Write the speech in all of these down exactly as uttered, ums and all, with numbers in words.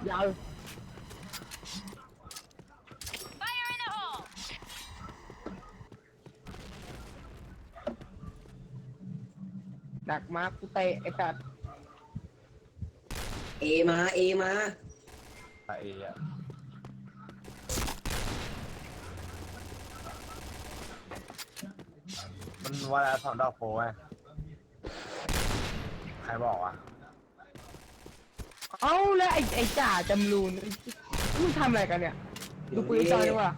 ยาวดักมากูเตะไอ้สัตว์เอมาเอมาไอ้อะมันว่าแล้วสองดอกโป้ไงใครบอกวะเอ้าแล้วไอ้ไอ้จ่าจำรูนมึงทำอะไรกันเนี่ยดูปืนจอยดีกว่า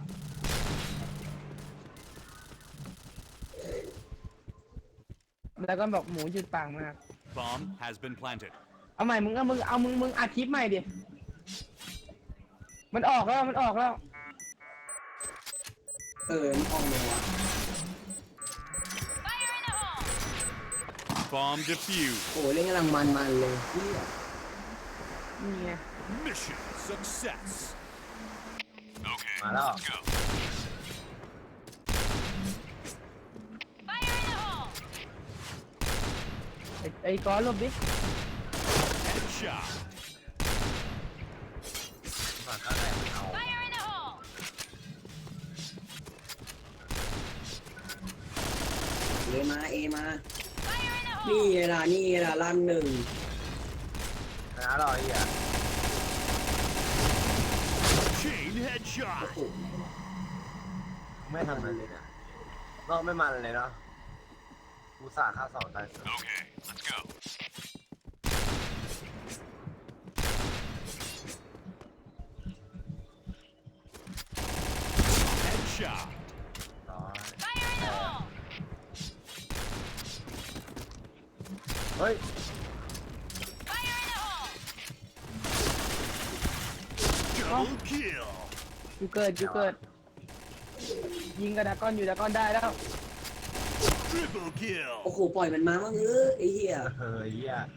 แล้วก็บอกหมูหยุดปากมาก Bomb has been planted. เอาใหม่มึงเอามึงเอามึงมึงอัดคลิปใหม่ดิมันออกแล้วมันออกแล้วเออมันออกเลยวะ Bomb defused. โอ้เล่นกำลังมันมันเลยเหี้ยนี่ไง Mission success. Okay, มาแล้ว let's go. ไอ้ไอ้ก้อนหลบดิ Headshot. มาข้างไหนเอาเอมาเอมานี่ไงล่ะนี่ไงล่ะลั่นหนึ่งนะรอไอ้อะ Chain headshot. ไม่ทำอะไรเลยเนี่ยนอกไม่มันเลยเนาะกูสาค่าสองตาย Okay, let's go. Headshot. ร้อยเฮ้ย Double kill. อยู่เกิดอยู่เกิดยิงกระดากอนอยู่ดากอนได้แล้ว Triple kill. โอ้โหปล่อยมันมาบ้างเออไอ้เหี้ยเฮ้ยเหี้ย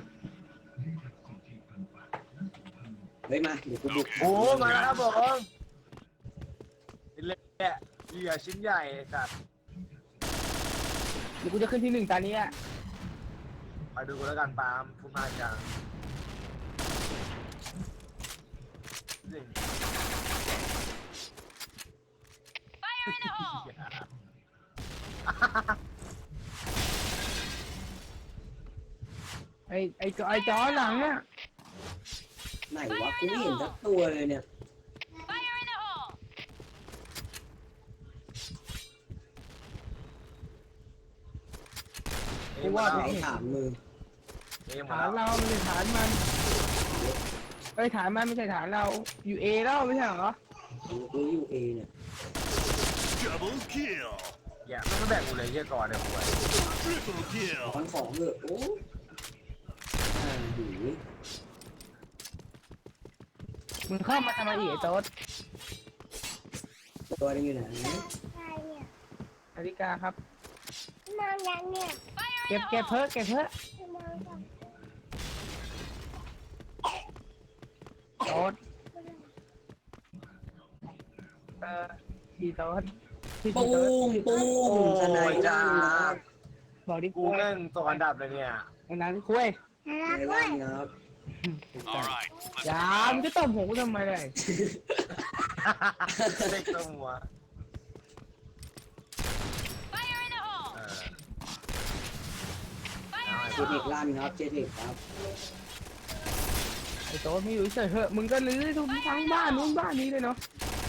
เฮ้ยมาเดี๋ยวกูบุกโอ้มาแล้วครับผมเละเหยื่อชิ้นใหญ่สัตว์เดี๋ยวกูจะขึ้นที่หนึ่งตอนนี้อะไปดูกันแล้วกันปาล์มคุณมาจังจริงไอ้ไอ้จอไอ้จอหลังน่ะไหนวะกูไม่เห็นสักตัวเลยเนี่ยกูว่าไหนไม่เห็นถามมือเอ็มฐาแล้นวเราไม่ใช่ฐานมันเอ้ยฐานมันไม่ใช่ฐานเราอยู่เอแล้วไม่ใช่เหรอกูอยู่เอเนี่ย Double kill. อย่าไม่แบ่งกูเลยเยี่ยก่อนเนี่ยกู Triple kill. ขอนของเถอะโอ้อ่าหูมึงเข้ามาทำไมอีกไอ้โต๊ดตัวนึงอยู่ไหนนาฬิกาครับนอนยังเนี่ยเก็บเก็บเพิ่เก็บเพิ่นอนก่อนโต๊ดเออพี่โต๊ดพี่ปุ้โต๊ดงปุ้งสนายจ้าบอกดิกูเล่นตัวอันดับเลยเนี่ยไอ้นั้นคุยน่าในรักด้วร้าย นครับ All right, อยามึงจะตบหัวกูทำไมเลยเล็กตัวหัวเออเจเทคลั่นครับเจเทคครับไอ้โต๊ดไม่อยู่เฉยๆเหอะมึงก็ลื้อทุกทั้งบ้านนู้นบ้านนี้เลยเนาะ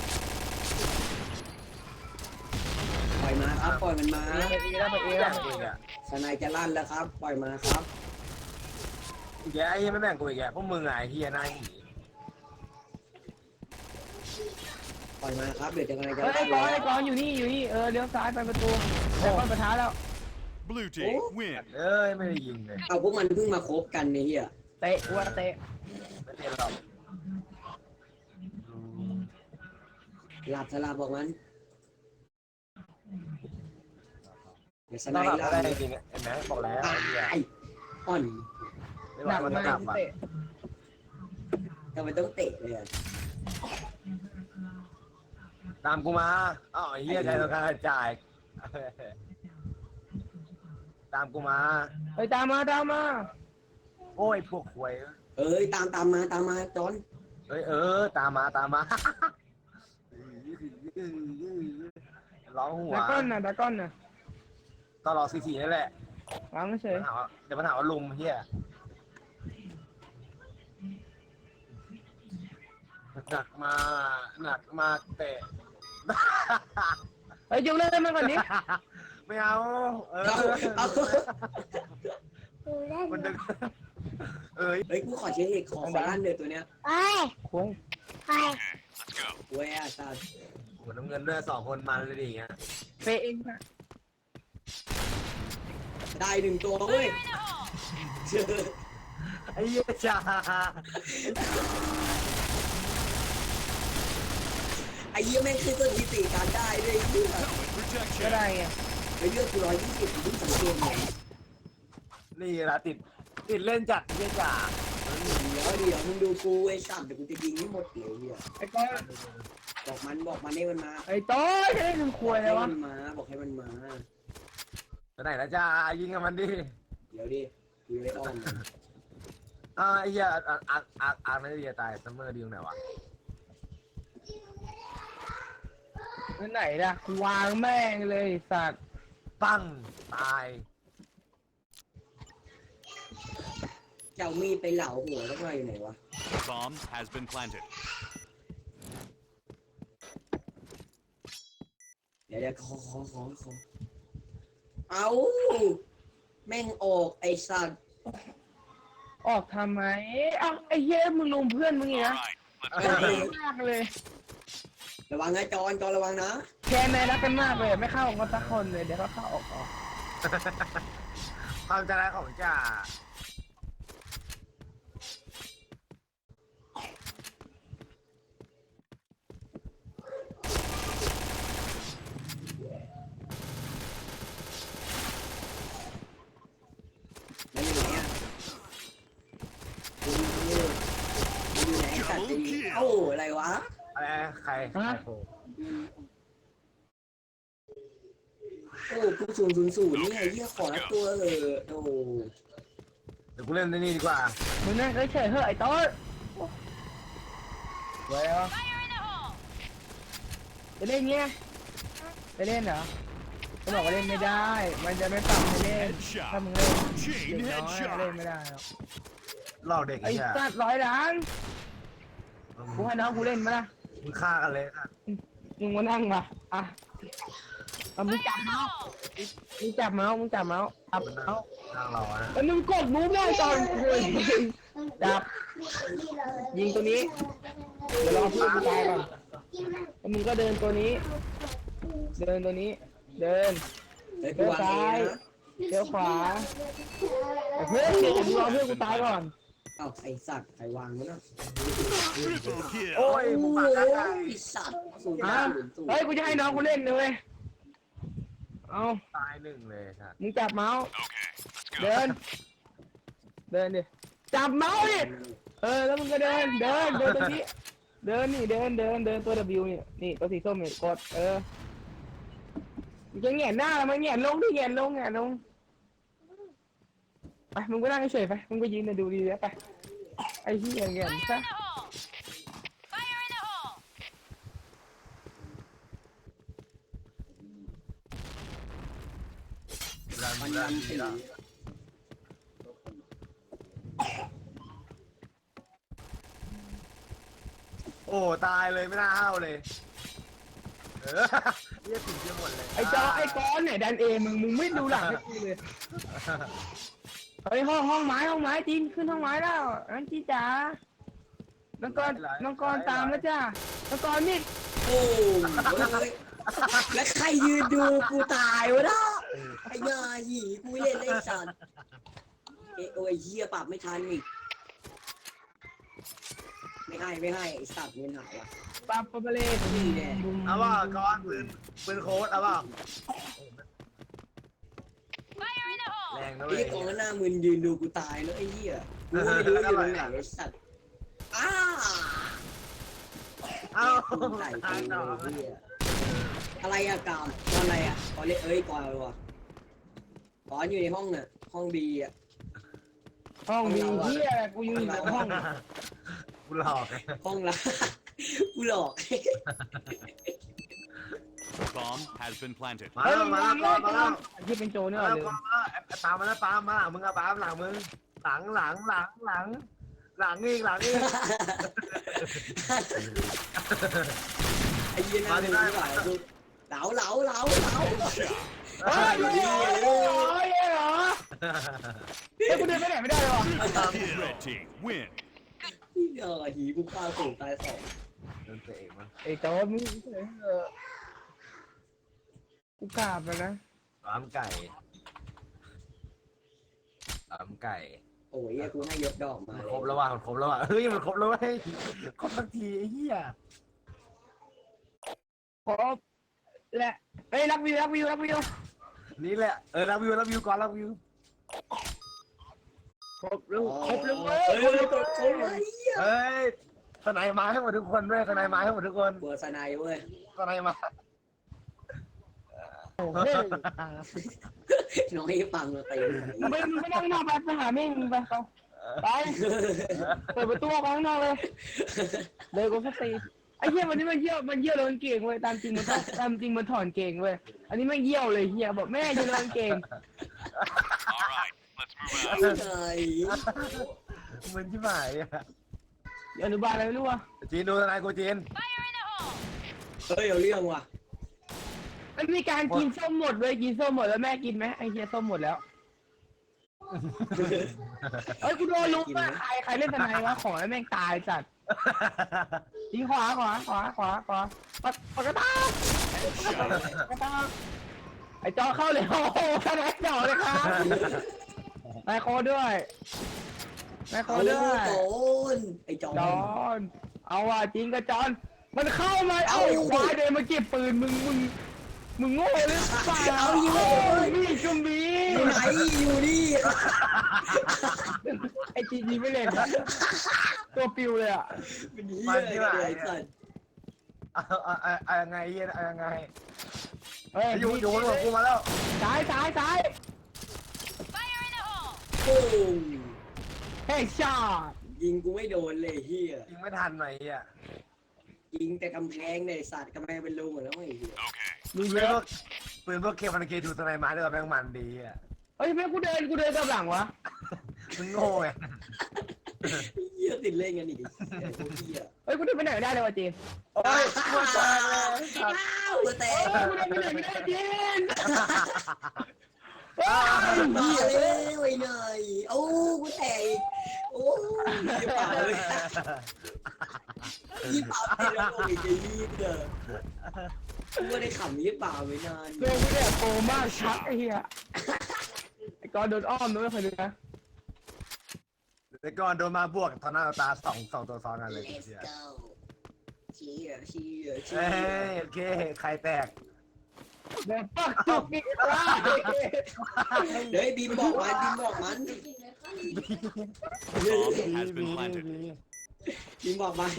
ปล่อยมาครับปล่อยมันมาไปเอแล้วไปเอแล้วกูอีกอ่ะสนายจะลั่นแล้วครับ ปล่อยมาครับอีกแกไอ้เหี้ยไม่แบ่งกูอีกแกพวกมึงไงไอ้เฮียนายหีปล่อยมาครับเดี๋ยวจะกำลังจะเฮ้ยไอ้ลั่นกอนแล้ไอ้วกอนอยู่นี่อยู่นี่เออเลี้ยวซ้ายไปประตูแต่ก้อนประท้าแล้ว blue team win. เอ้ยไม่ได้ยิงเลยเอาพวกมันเพิ่งมาคบกันเนี่ยเฮียเตะวัวเตะไม่เล่นหรอกหลับสลับบอกมันเดี๋ยวสต้นาองยหลับลั่ก็นได้จริงๆเห็นไหมบอกแล้วตาไอ้เฮียยอ่อนไม่หบอนักกมันมาจะหลักบอ่ะเตะทำไมต้องเตะเลยอะตามกูมาอ้าวไอ้เฮียใจต้องการจ่าย ตามกูมาเฮ้ยตามมาตามมาโอ้ยพวกควยเอ้ยตามตามมาตามมาจอนเอ้ยเออตามมาตามมาร้องหัวดาก้อนน่ะดาก้อนน่ะตลอดสี่สี่นั่นแหละวางเฉเดี๋ยวย มันหาว่าเดี๋ยวมันหาว่าลุมเฮียหนักมาหนักมากแต่เฮ้ยยุงเล่นมันก่อนดิไม่เอาเออเอาเอาดูเล่นมันดึงเอ้ยเฮ้ยกูขอเช็คขอขอลั่นเดือตัวเนี้ยไปคุยไปเว้ยอาซาหัวน้ำเงินด้วยสองคนมันเลยดิอย่างเงี้ยเฟเองนะได้หนึ่งตัวเว้ยเจอไอ้เหี้ยจ้าไอ้เหี้ยแม่งคือสถิติการได้ด้วยไอ้เหี้ย Helmet ก็ protection. ได้ไงไอ้เลือดกูร้อยยี่สิบกูเพิ่งสังเกตเนี่ยนี่ละติดติดเล่นจัดเหี้ยจ้าเดี๋ยวเดี๋ยวมึงดูกูไอ้สัตว์เดี๋ยวกูจะยิงให้หมดเลยเหี้ยไอ้ก้อนบอกมันบอกมันให้มันมาไอ้ต้อยจะได้หนึ่งคบวอย กเลให้ยวะมันมาบอกให้มันมาไปไหนละจ้ายิงกับมันดิเดี๋ยวดิกูเลยอ้อมมันอ่าไอ้เหี้ยอ่าอ่าอ่าอ่าไม่ได้ดีตายซัมเมอร์ดีตรงไหนวะนั่นไหนล่ะกูวางแม่งเลยไอ้สัตว์ปังตายเจ้ามีดไปเหลาหัวสักหน่อยอยู่ไหนวะ Bomb has been planted. เดี๋ยวเดี๋ยวขอขอขอขอเอาแม่งออกไอ้สัตว์ออกทำไมเอ้าไอ้เหี้ยมึงลุมเพื่อนมึงอีก All นะ right, เออมากเลยระวังนะจอนจอนระวังนะแค่แม่รักกันมากเลยไม่เข้ากันสักคนเลยเดี๋ยวก็เข้าออกออกความใจร้ายของจ่ามันอยู่ไหนอ่ะมันอยู่มันอยู่ไหนสัตว์ดีเอ้าอะไรวะอะไรใครใครโผล่โอ้กูศูนย์ศูนย์ศูนย์นี่ไงเหี้ยขอละตัวเออโอ้เดี๋ยวกูเล่นในนี่ดีกว่ามึงนั่งเฉยๆเฮ้ยไอ้ต้อยไว้เหรอจะเล่นเงี้ยจะเล่นเหรอเขาบอกว่าเล่นไม่ได้ มันจะไม่ปรับให้เล่นถ้ามึงเล่นเด็กน้อยเล่นไม่ได้หรอกหลอกเด็กไอ้ไอ้เหี้ยสัตว์ร้อยล้านกูให้น้องกูเล่นมาละมึงฆ่ากันเลยนะมึงมานั่งมาอ่ะเอามึงจับเมาส์มึงจับเมาส์มึงจับเมาส์จับเมาส์นั่งรอนะแล้วมึงกดมูฟได้ตอนคุยจับยิงตัวนี้เดี๋ยวรอเพื่อนกูตายก่อนแล้วมึงก็เดินตัวนี้ เดินตัวนี้ เดินเฮ้ยกูวางเองนะเลี้ยวขวาเพื่อนเดี๋ยวมึงรอเพื่อนกูตายก่อนเอ้าไอ้สัตว์ใครวางวะเนาะ triple kill. โอ้ยโอ้มึงโหปากกันได้ไอ้สัตว์ศูนย์อ่ะศูนย์ศูนย์เฮ้ยกูจะให้น้องกูเล่นเลยเว้ยเอาตายหนึ่งเลยครับมึงจับเมาส์ Okay, let's เดิ go. น เดินดิ จับเมาส์ดิ เออ แล้วมึงก็เดิน เดิน เดินตรงนี้ เดินนี่ เดิน เดิน เดินตัว W นี่ นี่ตัวสีส้มนี่กด เออมึงจะแหงนหน้าแล้วมันแหงนลงดิแหงนลงแหงนลง ไป มึงก็นั่งเฉยๆไป มึงก็ยืนดูดีแล้วไป ไอ้ที่แหงนซะรันมันรัยันนสีแล้วโอ้ตายเลยไม่น่าห้าวเลยเออเรียกถึงเยอะหมดเลยไอ้จอไอ้ก้อนเนี่ยดันเอมึง มึงไม่ดูหลังให้กูเลย เฮ้ยห้องห้องไม้ห้องไม้จีนขึ้นห้องไม้แล้วอันจีจ๋าน้องกรน้องกรตามแล้วจ้าน้องกรนี่โอ้ยแล้วใครยืนดูกูตายวะเนาะไอ้ยาหยีกูไม่เล่นเลยไอ้สัตว์เอ้ยโอ้ยเหี้ยปรับไม่ทันอีกไม่ให้ไม่ให้ไอ้สัตว์เงินหายว่ะปาปาเบเลสนี่แน่เอาว่าก้อนปืนปืนโค้ดเอาว่าแรงนะเว้ไอ้ยกองหน้ามึนยืนดูกูตายแล้วไอ้เหี้ยกูไม่รู้อยู่ตรงไหนไอ้สัตว์อ้าเอ้าไหลไปตายเลต่อยไอ้เหี้ยอะไรอะกามกอนอะไรอะกอนเล่นเอ้ยกอนอะไรวะกอนอยู่ในห้องน่ะห้องบีอะห้องมีเฮียกูอยู่ในห้องกูหลอกห้องละกูหลอก Bomb has been planted. มาเฮ้ยแล้วมึงมามาแล้วแล้วมาแล้วที่เป็นโจรเนี่ยมาเหรแล้อวปามาแล้วปามามึงอะปาหลังมึงหลังหลังหลังหลังหลังอีกหลังอีกไอ้เหี้ยน่าดูดีกว่าดูเหลาเหลาเหลาเหลาเฮ้ยเฮ้ยเฮ้ยเฮ้ยเหรอเฮ้ยกูเดินไปไหนไม่ได้เลยวะ Red team win. เออหีกูฆ่าสูงตายสองเดินเตะมั้งไอ้โจรมึงเออกูกราบแล้วนะสามไก่สามไก่โอ้ยกูให้ยกดอกมามันครบแล้วว่ะมันครบแล้วว่ะเฮ้ยมันครบแล้วเว้ยครบสักทีไอ้เหี้ยครบและเฮ้ยรับวิวรับวิวรับวิวนี่แหละเออรับวิวรับวิวก่อนรับวิวครบแล้วครบแล้วเว้ยเฮ้ยครบแล้วกดครบเลยเฮ้ยทนายมาให้หมดทุกคนด้วยทนายมาให้หมดทุกคนเบอร์สไนเว้ยทนายมาโอ้เฮ้ยน้อยฟังเราตีมึงไปมึงไปนั่งนอกไปไปหาแม่งมึงไปไปไปเปิดประตูออกมาข้างนอกเลยเลยกูสักตีไอ้เหี้ยวันนี้มันเยี่ยวมันเยี่ยวโดนเก่งเว้ยตามจริงมันต้องตามจริงมันถอนเก่งเว้ยอันนี้ไม่เยี่ยวเลยเฮียบอกแม่จะโดนเก่ง All right, let's move ไอ้ out. ไงเหมือนที่หมายอ่ะอนุบาลอะไรไม่รู้วะจีนดูทนายกูจีนเฮ้ยเอาเรื่องว่ะมันมีการกินส้มหมดเลยกินส้มหมดแล้วแม่กินไหมไอ้เฮียส้มหมดแล้วเอ้ยกูโดนลุกมากใครใครเล่นทนายวะขอให้แม่งตายจัดยิงขวาขวาขวาขวาขวาปัดปัดกระตากกระตากไอ้จอเข้าเลยโอ้โหทนายจอเลยครับนายโคด้วยนายโคเอาด้วยโจนไอ้จอนจอนเอาว่ะจริงกับจอนมันเข้ามาเอาไอ้ควายเดินมาเก็บปืนมึงมึงมึงโง่หรือเปล่าเอาอยู่นี่จุ่มบีอยู่ไหนอยู่นี่ไอจีจีไม่เล่นตัวปิวเลยอ่ะเป็นเหี้ยอะไรไอ้สัตว์เอาเอาเอาเอายังไงเหี้ยเอายังไงเฮ้ยอยู่อยู่บนหัวกูมาแล้วซ้ายซ้ายซ้ายโอ้ยเฮ้ยชายิงกูไม่โดนเลยเฮียยิงไม่ทันหน่อยอ่ะยิงแต่กำแพงในสัตว์กำแพงเป็นรูหมดแล้วไอ้เหี้ย Okay. มึงปืเยนพอะวกปืนพวกเคมันเคถูทนายมาด้วยแม่งมันดีอ่ะเฮ้ยแม่กูเดินกูเดินกลับหลังวะมึงโง่ไงเหี้ยติดเล่นกันอีกเหี้ยเฮ้ยกูเดินไปไหนไม่ได้เลยวะจีนโอ้ยกูตายเลยอ้าวแต่เฮ้ยกูเดินไปไหนไม่ได้จีนมาเลยไอ้เนยโอ้กูแตกอีกโอ้ยยี่เปล่าเลยยี่เปล่าติดแล้วอีกไอ้ยี่เด้อกูไม่ได้ขำยี่เปล่าไว้นานเดินกูเนี่ยโกมากชักไอ้เหี้ยไอ้กอนโดนอ้อมด้วยเคยดูนะแต่ก่อนโดนมาบวกตอนหน้าตาสองสองตัวซ้อนกันเลย Let's เชีย go เชียร์เชียร์เชีเอ้ยร์ยโอเคใครแตกเดินปักจุกอีกแล้วเฮ้ยบีมบอกมันบีมบอกมัน Bomb has been planted. บีมบอกมัน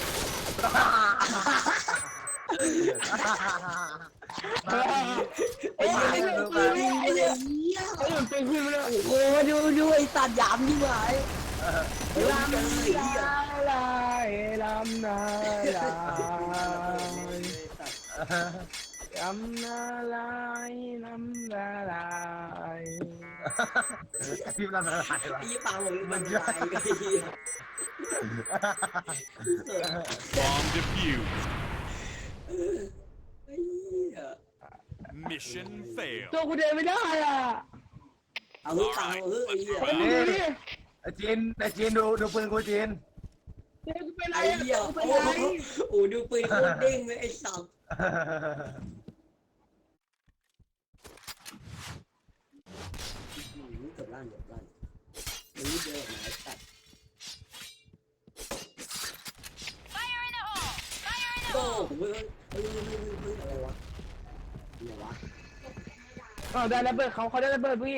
ไอ้เหี้ยไอ้เหี้ยไอ้หนุ่มเป็นขึ้นมาเลยโอ้โหดูดูไอ้สัตว์หยามนี่หว่าเฮ้ยลำเลนายเหี้ยลายลำนายลายลำนาลายลำนาลายพิมพ์ละลายวะไอ้ยี่ปางผมมันลายไอ้เหี้ย Bomb defused. ไอ้เหี้ย Mission failed. ตัวกูเดินไม่ได้อ่ะเอาเฮ้ยปางเอาเฮ้ยไอ้เหี้ยไอ้ดูดิไอ้จีนไอ้จีนดูดูปืนกูจีนเดี๋ยวกูเป็นไรไอ้อ่ะเหี้ยกูเป็นโอ้ไรโหโอ้ดูปืนโคตรเด้งเลยไอ้สัตว์เกือบลั่นเกือบลั่นมันรีบเดินออกมาไอ้สัตว์โอ้โหเฮ้ยเฮ้ยเฮ้ยเฮ้ยเฮ้ยอะไรวะอะไรวะอ๋อได้ระเบิดเขาเขาได้ระเบิดพี่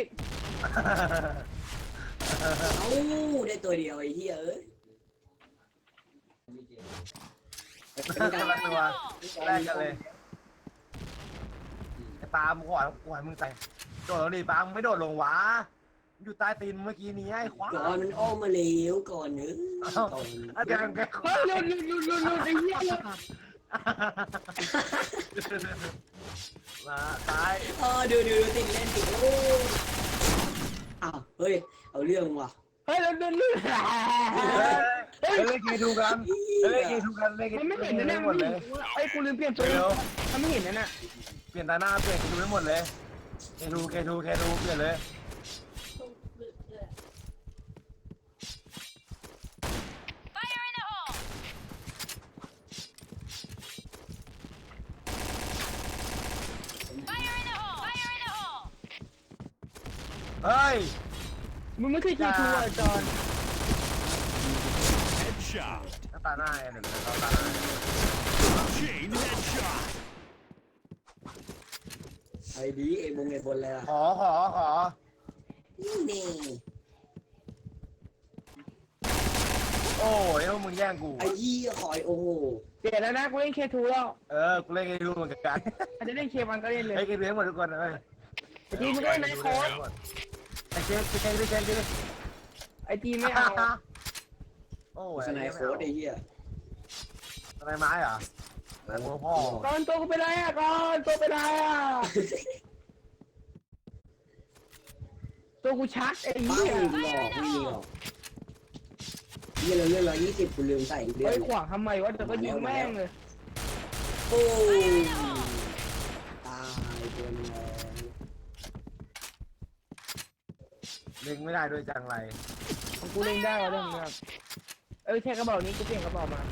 เอ้าได้ตัวเดียวไอ้เหี้ยเอ้ยคนละตัวแรกกันเลยไอ้ปาล์มขวานขวานมึงใส่โดดลงดิปาล์มไม่โดดลงวะอยู่ใต้ตีนเมื่อกี้นี้ไอ้ควายก่อนมันอ้อมมาเร็วก่อนเนอะก่อนอาจารย์แกเฮ้ยหลุดหลุดหลุดหลุดหลุดไอ้เหี้ยหลุดมาตายอ๋อดูดูดูติดเล่นติดโอ้อ้าวเฮ้ยเอาเรื่องว่ะเฮ้ยหลุดหลุดหลุดเฮ้ยเล่นเกมดูกันเล่นเกมดูกันเล่นเกมมันไม่เห็นนะเนี่ยหมดเลยไอ้กูลืมเปลี่ยนตัวมันไม่เห็นนะน่ะเปลี่ยนตาหน้าเปลี่ยนเกมดูไม่หมดเลยเกมดูเกมดูเกมดูเปลี่ยนเลย เฮ้ยมึงไม่เคยคิดทัวร์จอน Headshot. ตาหน้าไอ้หนึ่งตาหน้า Chain headshot. ไอ้ดีไอ้บงไอ้บนเลยอ่ะขอขอขอนี่นี่โอ้ยพวกมึงแย่งกูไอ้ยี่ขอยโอ้โหเปลี่ยนแล้วนะกูเล่นเคทูแล้วเออกูเล่นเกมดูเหมือนกันอาจจะเล่นเคมันก็เล่นเลยไอ้เกมดูให้หมดทุกคนเลยไอ้จีมึงก็เล่นไนท์โค้ดไอ้เจ๊เจ๊เจ๊เจ๊เจ๊ไอ้จีไม่เอาโอ้ยสไนโค้ดไอ้เหี้ยสไนไม้เหรอสไนโค้ดพ่อก่อนตัวกูไปไหนอ่ะก่อนตัวไปไหนอ่ะตัวกูชักไอ้ป้าเหี้ยหลอกไม่หลอกยี่เราเลื่อนร้อยยี่สิบกูลืมใส่เดือไอ้นขวางทำไมวะเดี๋ยวก็ยิงแม่งเลยโอ้ตายตัวนึงเล็งไม่ได้ด้วยจังไรของกูเล่นได้วะเรื่องนี้ครับเออแค่กระบอกนี้กูเปลี่ยนกระบอกมา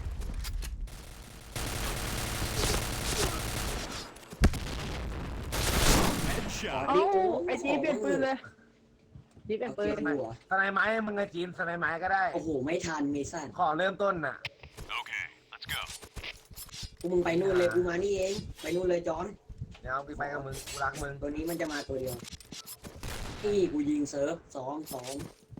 Headshot. เอ้าไอ้จีเปลี่ยนปืนเลยจีเปลี่ยนปืนสไนไม้มึงไงจีนสไนไม้ก็ได้โอ้โหไม่ทันไม่สั้นขอเริ่มต้นน่ะ Okay, let's go. กูมึงไปนู่นเลยกูมานี่เองไปนู่นเลยจอนเดี๋ยวกูไปกับมึงกูรักมึงตัวนี้มันจะมาตัวเดียวนี่กูยิงเซิร์ฟสองสอง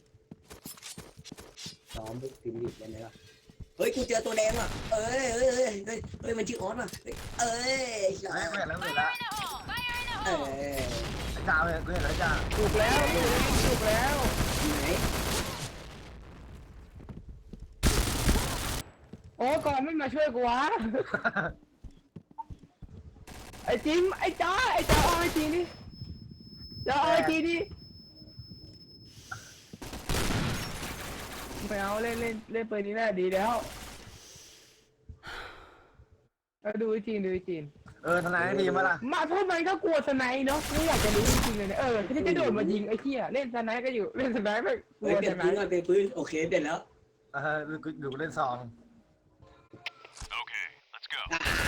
สองปุ๊บพิมพ์ดิบเลยนะเฮ้ยกูเจอตัวแดงอ่ะเอ้ยเอ้ยเอ้ยเฮ้ยเฮ้ยมันชื่อออสอ่ะเอ้ยไม่ไม่แล้วไม่แล้วเอ้ยจ้าเลยกูเห็นแล้วจ้าถูกแล้วถูกแล้วไหนโอ้ก่อนไม่มาช่วยกูวะไอ้จิมไอ้จ้าไอ้จ้าเอาไอ้จีนี่จ้าเอาไอ้จีนี่ไม่เอาเล่นเล่นเล่นปืนนี้น่าดีแล้วเอาดูไอ้จีนดูไอ้จีนเออทนายดีมาล่ะมาทำไมก็กลัวสไนด์เนาะไม่อยากจะรู้จริงๆเลยเนี่ยเออที่จะโดดมายิงไอ้เหี้ยเล่นสไนด์ก็อยู่เล่นสไนด์ไม่กเฮ้ลัยว เปลี่สยนไนปืนด์ก่อนเปลี่ยนปืนโอเคเปลี่ยนแล้วเออดูดูเล่นซอง Okay, let's go.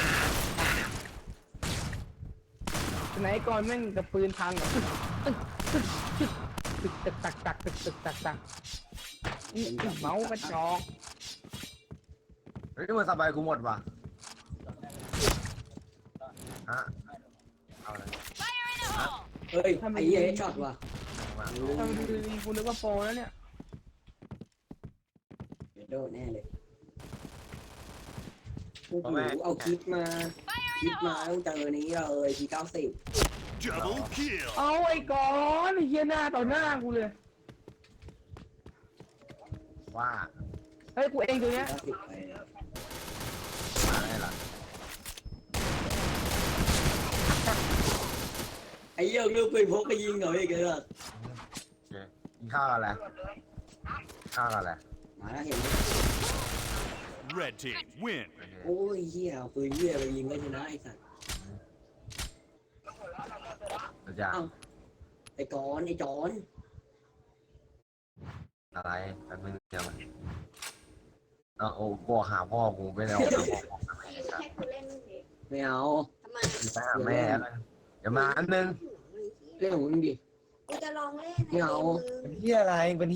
สไนด์ก่อนแม่งกับปืนพังอะตึกตึกตึกตึกตึกตักตักตึกตึกตักตักนี่เมาส์กระจอกเฮ้ยมันสบายกูหมดว่ะฮะเอาเลยเฮ้ยไอ้เหี้ยช็อตว่ะมาทำดูดีกูนึกว่าโปรแล้วเนี่ยเดี๋ยวโดนแน่เลยโอ้โหเอาคลิปมาคลิปมาต้องเจอนี้เลยทีเก้าสิบ Double kill. เอาไอ้ก่อนไอ้เหี้ยหน้าต่อหน้ากูเลยว่าเฮ้ยกูเองตัวเนี้ยเก้าสิบไปมาได้ละไอ้เหี้ยเลือกปืนพกไปยิงหน่อยอีกเลยอ่ะโอเคกินข้าวกันแล้วข้าวกันแล้วมาแล้วเห็นไหม Red team win. โอ้ยเหี้ยเอาปืนเหี้ยไปยิงก็ชนะไอ้สัตว์เดี๋ยวจะไอ้กอนไอ้จอนอะไรกันมึงเดี๋ยวมันเอาโอ้บอกหาพ่อกูไปแล้วให้กูเล่นดิไม่เอาทำไมไปหาแม่แล้วเดี๋ยวมาอันนึงเรื่องของมึงดิกูจะลองเล่นไม่เอาในมือเป็นที่อะไรเป็น